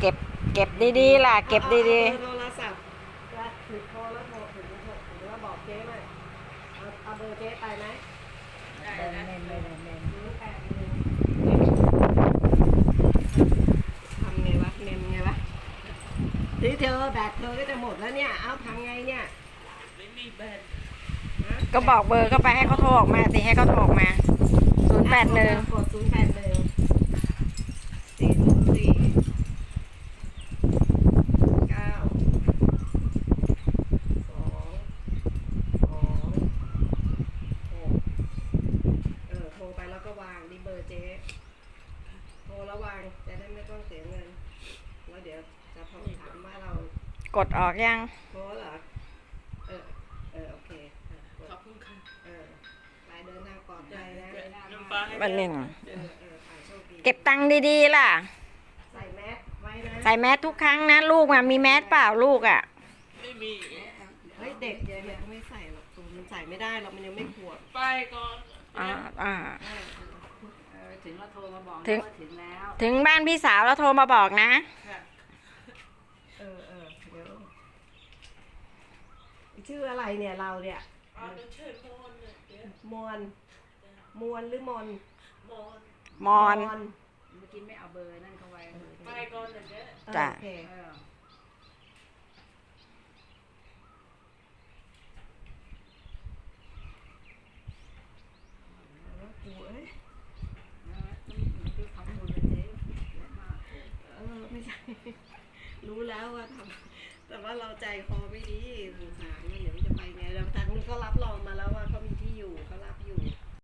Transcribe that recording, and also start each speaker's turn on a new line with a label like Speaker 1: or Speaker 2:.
Speaker 1: เก็บเก็บดีๆล่ะเก็บดี
Speaker 2: โทรศัพท์ถือโทรแล้วโทรถึงแล้วบอกเจ๊ไหมเอาเบอร์เจ๊ไปไหม
Speaker 1: ๆเมน
Speaker 2: ทำไงวะเมมไงวะที่เธอแบตเธอก็จะหมดแล้วเนี่ยเอาทำไงเนี่ยไม่มีแบต
Speaker 1: ก็บอกเบอร์ก็ไปให้เขาโทรออกมาสิให้เขาโทรออกมา081
Speaker 2: กดโทรไปแล้วก็วางนี่เบอร์เจ๊โทรแล้ววางจะได้ไม่ต้องเสียเงินแล้วเดี๋ยวจะถามว่าเรา
Speaker 1: กดออกยัง
Speaker 2: โทรเหรอโอเคขอบคุณค่ะไปเดินทางปลอดภัยนะ
Speaker 1: วันหนึ่ง
Speaker 2: โชคดี
Speaker 1: เก็บตังค์ดีๆล่ะ
Speaker 2: ใส่แมสไว้นะ
Speaker 1: ใส่แมสทุกครั้งนะลูกอ่ะมีแมสเปล่าลูกอ่ะ
Speaker 3: ไม่มี
Speaker 2: เฮ้ยเด็กเนี่ยไม่ใส่หรอกตัวมันใส่ไม่ได้หรอกมันยังไม่ขวบ
Speaker 3: ไปก่อน
Speaker 2: ถึงเราโทรมาบอก
Speaker 1: ถึง
Speaker 2: ถึงแล้ว
Speaker 1: ถึงบ้านพี่สาวแล้วโทรมาบอกนะ
Speaker 2: เดี๋ยวชื่ออะไรเนี่ยเราเนี่ย
Speaker 3: ชื่อมอน
Speaker 2: มวนหรือมน
Speaker 1: มอน
Speaker 2: เมื่อกี้ไม่เอาเบอร์นั่นเข้าไว้
Speaker 3: ไปก่อนเจ๊
Speaker 1: จ้ะ
Speaker 2: โอเคไม่ใช่รู้แล้วว่าทำแต่ว่าเราใจคอไม่ดีสงสารมันเดี๋ยวจะไปไงแล้วทางนี้ก็รับรองมาแล้วว่า